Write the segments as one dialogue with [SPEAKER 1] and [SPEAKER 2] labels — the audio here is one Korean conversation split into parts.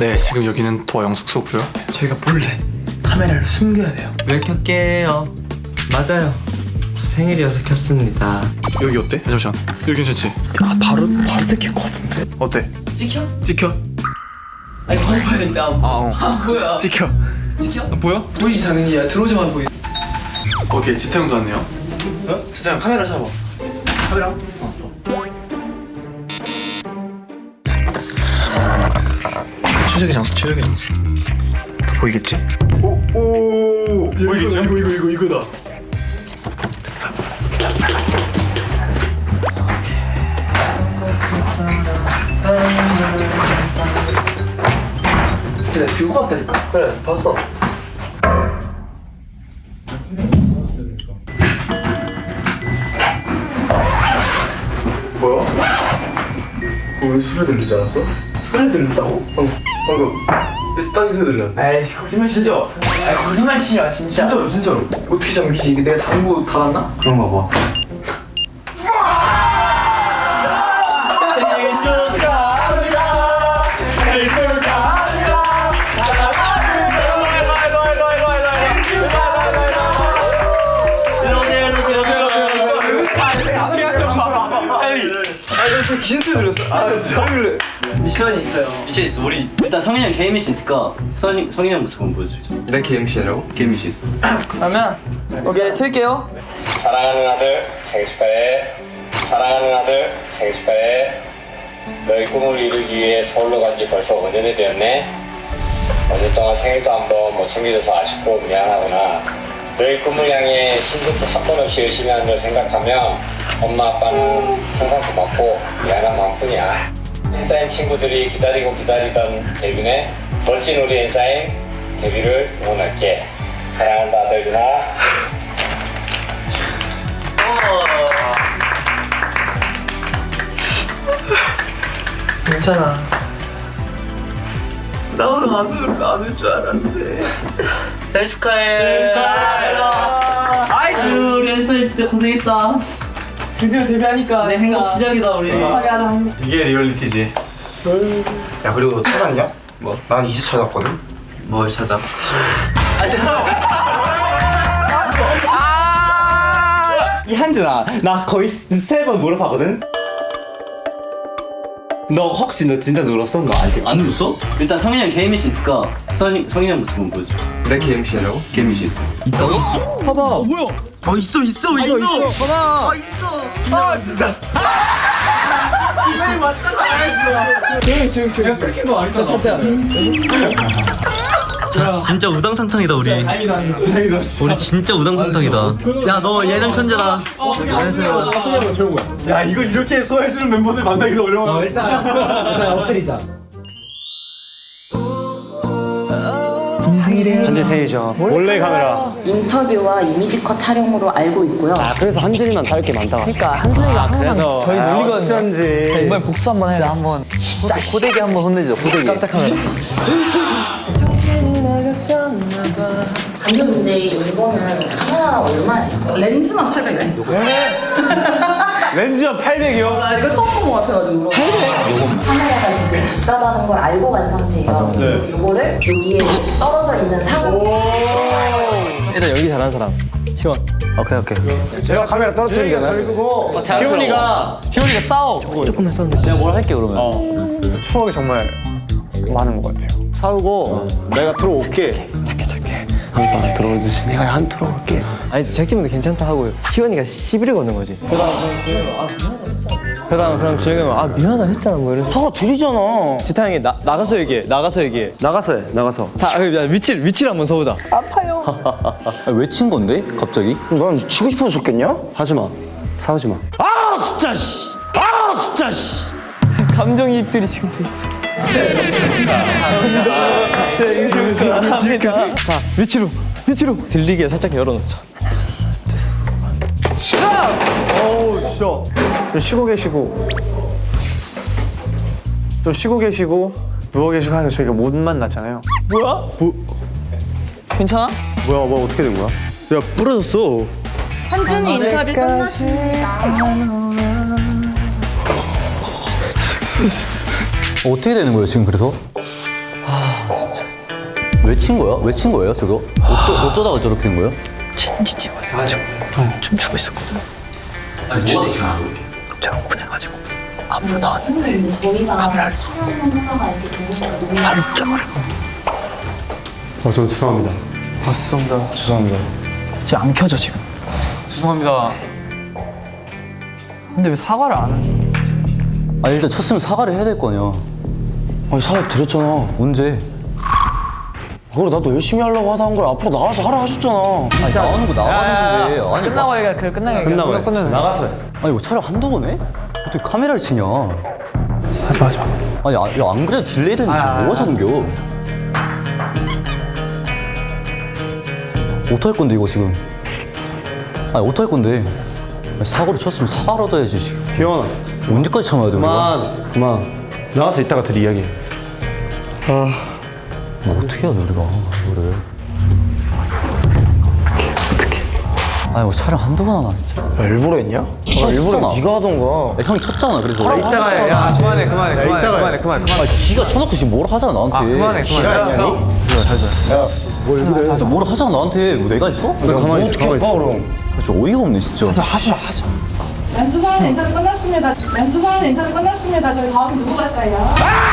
[SPEAKER 1] 네, 지금 여기는 도화영 숙소고요. 저희가 몰래 카메라를 숨겨야 돼요.
[SPEAKER 2] 왜 켤게요? 맞아요. 생일이어서 켰습니다.
[SPEAKER 1] 여기 어때? 잠시만. 여기 괜찮지? 아, 바로 뜯길 것 같은데? 어때?
[SPEAKER 2] 찍혀?
[SPEAKER 1] 찍혀?
[SPEAKER 2] 아니 봐야겠는데
[SPEAKER 1] 뭐야? 찍혀.
[SPEAKER 2] 찍혀?
[SPEAKER 1] 보여?
[SPEAKER 2] 보이지 당연히. 야 들어오자마자 보이.
[SPEAKER 1] 오케이, 지태형도 왔네요. 어? 지태형 카메라 잡아. 카메라. 최적의 장소, 최적의 장소. 보이겠지? 오, 보이겠지? 이거다.
[SPEAKER 2] 그래 들고 갔다니까. 그래 봤어.
[SPEAKER 1] 뭐야? 왜 소리 들리지 않았어?
[SPEAKER 2] 소리 들렸다고?
[SPEAKER 1] 방금 땅이 소리 들렸는데.
[SPEAKER 2] 에이씨 거짓말 진짜. 아 거짓말 치냐 진짜.
[SPEAKER 1] 진짜로.
[SPEAKER 2] 어떻게 잠기지? 이게 내가 잠그고 닫았나?
[SPEAKER 1] 그런가 봐.
[SPEAKER 2] 생일 축하합니다. 생일 축하합니다.
[SPEAKER 1] 긴 소리 들렸어. 아, 진짜.
[SPEAKER 2] 미션이 있어요.
[SPEAKER 3] 미션 있어. 우리 일단 성인이 형 개인 미션 있으니까 성인이 형부터 한번 보여주자.
[SPEAKER 1] 내 KMC라고?
[SPEAKER 3] 개인 미션 있어.
[SPEAKER 2] 그러면 오케이 틀게요.
[SPEAKER 4] 사랑하는 아들 생일 축하해. 사랑하는 아들 생일 축하해. 너의 꿈을 이루기 위해 서울로 간 지 벌써 5년이 되었네. 5년 동안 생일도 한 번 못 챙겨줘서 아쉽고 미안하구나. 너의 꿈을 향해 힘들고 한 번 없이 열심히 하는 걸 생각하면 엄마 아빠는 항상 고맙고 미안한 마음뿐이야. 인싸인 친구들이 기다리던 데뷔네. 멋진 우리 인싸인 데뷔를 응원할게. 사랑한다 아들 누나.
[SPEAKER 2] 괜찮아.
[SPEAKER 1] 나 오늘 안올 줄 알았는데.
[SPEAKER 3] 생일 축하해. 아유 우리 엔사이 진짜 고생했다.
[SPEAKER 2] 드디어 데뷔하니까.
[SPEAKER 3] 내 행복 시작이다 우리.
[SPEAKER 1] 이게 리얼리티지. 야, 그리고 찾았냐? 뭐? 난 이제 찾았거든.
[SPEAKER 3] 뭘 찾아?
[SPEAKER 5] 이 한준아, 나 거의 3번 물어봤거든? 너 혹시 너 진짜 눌렀어? 너 아직
[SPEAKER 3] 안 눌렀어? 일단 성인이 형 개인 미션 있으니까 성인이 형부터 한번 보여줘.
[SPEAKER 1] 내 KMC라고?
[SPEAKER 3] 개인 미션 있어. 진짜 우당탕탕이다 우리. 우리 진짜 우당탕탕이다. 야 너 예능 천재다.
[SPEAKER 1] 야, 이걸 이렇게 소화해주는 멤버들 만나기도 어려워.
[SPEAKER 2] 일단 엎드리자.
[SPEAKER 5] 한준 생일이죠. 몰래 카메라.
[SPEAKER 6] 인터뷰와 이미지컷 촬영으로 알고 있고요.
[SPEAKER 5] 그래서 한준이만 다를 게 많다.
[SPEAKER 2] 그러니까 한준이가 항상 저희 놀리거든요.
[SPEAKER 5] 어쩐지.
[SPEAKER 2] 이번에 복수 한번 해야 한번 호되게 한번 혼내죠. 호되게. 깜짝 카메라.
[SPEAKER 6] 아니요, 근데 이거는 카메라 얼마예요? 렌즈만 800원.
[SPEAKER 5] 렌즈가 800이요?
[SPEAKER 6] 나 이거 처음 본 것 같아가지고. 800? 카메라가 지금 비싸다는 걸 알고 간 상태예요. 그래서 이거를 여기에 떨어져 있는 상태.
[SPEAKER 2] 일단 연기 잘하는 사람. 희원. 오케이.
[SPEAKER 5] 제가 카메라 떨어뜨리면 되나요?
[SPEAKER 2] 희원이가 싸워. 조금 했었는데. 내가 뭘 할게 그러면.
[SPEAKER 5] 추억이 정말 많은 것 같아요. 사오고 내가 들어올게. 작게. 항상 들어오듯이 내가 안 들어올게.
[SPEAKER 2] 아니 제작진분도 괜찮다 하고 희원이가 시비를 거는 거지. 그럼 주영이 형아 미안하다 했잖아 뭐 이래서.
[SPEAKER 5] 사과 드리잖아.
[SPEAKER 2] 지타 형이 나가서 얘기해. 나가서 얘기해.
[SPEAKER 5] 나가서 해. 나가서.
[SPEAKER 2] 자 위치를 한번 서보자.
[SPEAKER 3] 왜 친 건데 갑자기?
[SPEAKER 5] 넌 치고 싶어서 줬겠냐?
[SPEAKER 2] 하지 마. 싸우지 마.
[SPEAKER 5] 아 진짜 씨. 아 진짜 씨.
[SPEAKER 2] 감정이입들이 지금 돼 있어. 자 위치로 들리게 살짝 열어놓자.
[SPEAKER 5] 어우 진짜. 좀 쉬고 계시고 누워 계시고 하니까 저희가 못 만났잖아요.
[SPEAKER 2] 뭐야? 괜찮아?
[SPEAKER 5] 뭐야 뭐 어떻게 된 거야?
[SPEAKER 2] 야 부러졌어.
[SPEAKER 6] 한준이 인터뷰 끝났습니다.
[SPEAKER 3] 어떻게 되는 거예요 지금 그래서?
[SPEAKER 2] 왜 친 거야? 왜 친 거예요 저거? 어쩌다가 저렇게 된 거예요?
[SPEAKER 7] 찐찐찐 해가지고 춤추고 있었거든. 저 군해가지고 앞으로 나왔는데
[SPEAKER 6] 근데 저희가 촬영하다가 이렇게 동시에
[SPEAKER 7] 발을 쪄버려.
[SPEAKER 5] 저 죄송합니다.
[SPEAKER 7] 봤습니다.
[SPEAKER 5] 죄송합니다.
[SPEAKER 7] 지금 안 켜져 지금.
[SPEAKER 2] 죄송합니다.
[SPEAKER 7] 근데 왜 사과를 안 하지?
[SPEAKER 2] 아 일단 쳤으면 사과를 해야 될 거 아니야.
[SPEAKER 5] 아니 사과 드렸잖아.
[SPEAKER 2] 언제?
[SPEAKER 5] 그래 나도 열심히 하려고 하다 한 걸 앞으로 나와서 하라 하셨잖아.
[SPEAKER 2] 아니 나오는 거 나가는 건데. 아니
[SPEAKER 7] 끝나고 얘기해. 그래 끝나고 얘기해.
[SPEAKER 5] 끝나고 나가서 해.
[SPEAKER 2] 아니 뭐 촬영 한두 번 해? 어떻게 카메라를 치냐?
[SPEAKER 7] 하지 마.
[SPEAKER 2] 아니 안 그래도 딜레이 되는데 지금 뭐 하자는겨? 어떡할 건데 이거 지금? 아니 어떡할 건데? 아니, 사고를 쳤으면 사과라도 해야지 지금.
[SPEAKER 5] 기현아
[SPEAKER 2] 언제까지 참아야 돼 우리가?
[SPEAKER 5] 그만. 나가서 이따가 둘이 이야기해.
[SPEAKER 2] 뭐 어떻게 해야 돼 우리가 이거를? 아니 뭐 촬영 한두 번 하나 진짜.
[SPEAKER 5] 야, 일부러 했냐?
[SPEAKER 2] 형이 쳤잖아.
[SPEAKER 5] 네가 하던가.
[SPEAKER 2] 형이 쳤잖아 그래서.
[SPEAKER 5] 이따가 해. 야 그만해.
[SPEAKER 2] 아 지가 쳐놓고 지금 뭐라 하잖아 나한테.
[SPEAKER 5] 그만해.
[SPEAKER 2] 그래서 뭐라 하잖아 나한테. 뭐 내가 했어?
[SPEAKER 5] 가만히 있어. 가만히 있어. 그럼.
[SPEAKER 2] 진짜 어이가 없네 진짜.
[SPEAKER 8] 연수선 인터뷰 끝났습니다. 연수선 인터뷰 끝났습니다. 저희 다음 누구 갈까요?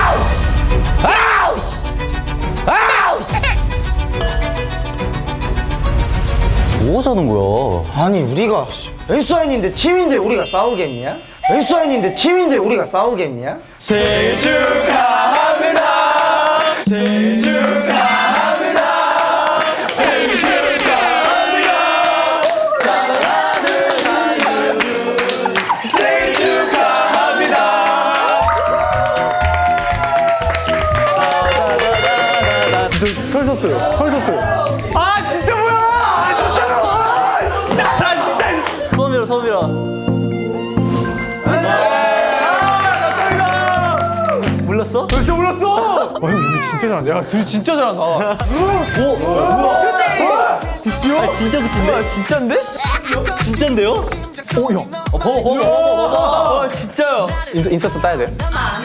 [SPEAKER 2] 뭐 하자는 거야?
[SPEAKER 9] 아니 우리가 왼사인인데 팀인데 우리가 싸우겠냐? 왼사인인데 팀인데 우리가 싸우겠냐?
[SPEAKER 5] 생일 축하합니다. 생일 축하합니다. 생일 축하합니다. 사랑하는 아이유 생일 축하합니다. 진짜 털 섰어요. 아 진짜 뭐야?
[SPEAKER 2] 소미라. 몰랐어?
[SPEAKER 5] 진짜 몰랐어. 형 여기 진짜 잘한다. 야 둘이 진짜 잘한다.
[SPEAKER 2] 진짜? 아 진짜 그친데?
[SPEAKER 5] 진짜인데?
[SPEAKER 2] 진짜인데요?
[SPEAKER 5] 오 형.
[SPEAKER 2] 봐봐.
[SPEAKER 5] 진짜요. 인서트 따야 돼.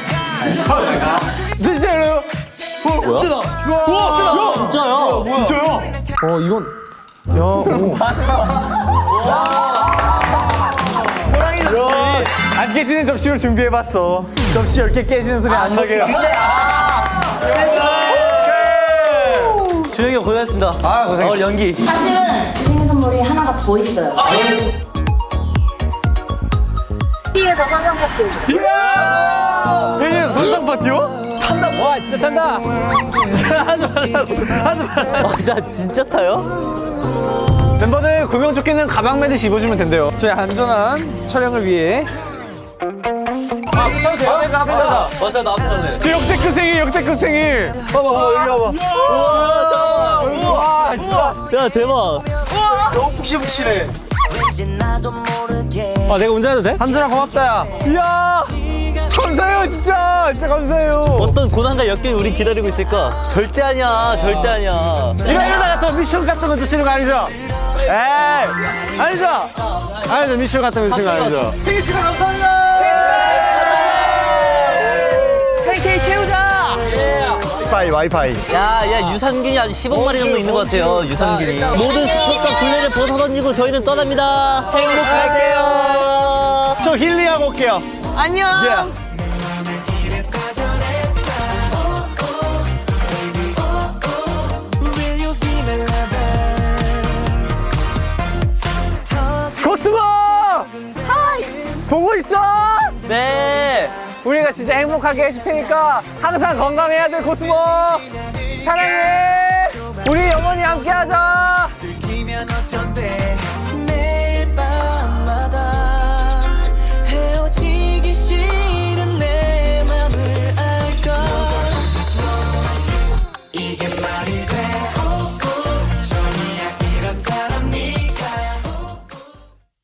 [SPEAKER 5] 진짜요?
[SPEAKER 2] 뭐야?
[SPEAKER 5] 와
[SPEAKER 2] 진짜야?
[SPEAKER 5] 진짜요?
[SPEAKER 9] 이건 야 오.
[SPEAKER 5] 안 깨지는 접시로 준비해봤어. 접시 10개 깨지는 소리 안 나게.
[SPEAKER 2] 준영이 형 고생했습니다.
[SPEAKER 9] 아 고생했어.
[SPEAKER 2] 연기.
[SPEAKER 6] 사실은 생일 선물이 하나가 더 있어요. TV에서 선상 파티.
[SPEAKER 5] 얘네 선상 파티요?
[SPEAKER 7] 와 진짜 탄다.
[SPEAKER 2] 진짜 타요?
[SPEAKER 5] 멤버들 구명조끼는 가방 매듯이 입어주면 된대요. 저희 안전한 촬영을 위해.
[SPEAKER 2] 맞아 나 앞에 갈래.
[SPEAKER 5] 저 역대급 생일. 봐봐 여기 와봐.
[SPEAKER 2] 와 진짜. 야 대박.
[SPEAKER 5] 너무 푹신푹신해. 아 내가 운전해도 돼? 한준아 고맙다 야. 이야 감사해요 진짜 감사해요.
[SPEAKER 2] 어떤 고난과 역경이 우리 기다리고 있을까? 절대 아니야.
[SPEAKER 5] 이러다가 또 미션 같은 거 드시는 거 아니죠? 에이 아니죠? 미션 같은 거 드시는 거 아니죠? 생일 축하 감사합니다.
[SPEAKER 7] KK 채우자.
[SPEAKER 5] 와이파이.
[SPEAKER 2] 야 유산균이 아직 10억 마리 정도 있는 것 같아요. 유산균이. 모든 스포츠와 굴레를 벗어던지고 저희는 떠납니다. 행복하세요.
[SPEAKER 5] 저 힐링하고 올게요.
[SPEAKER 7] 안녕.
[SPEAKER 5] 코스모! 하이! 보고 있어?
[SPEAKER 2] 네.
[SPEAKER 5] 우리가 진짜 행복하게 해줄 테니까 항상 건강해야 돼, 코스모! 사랑해! 우리 영원히 함께 하자!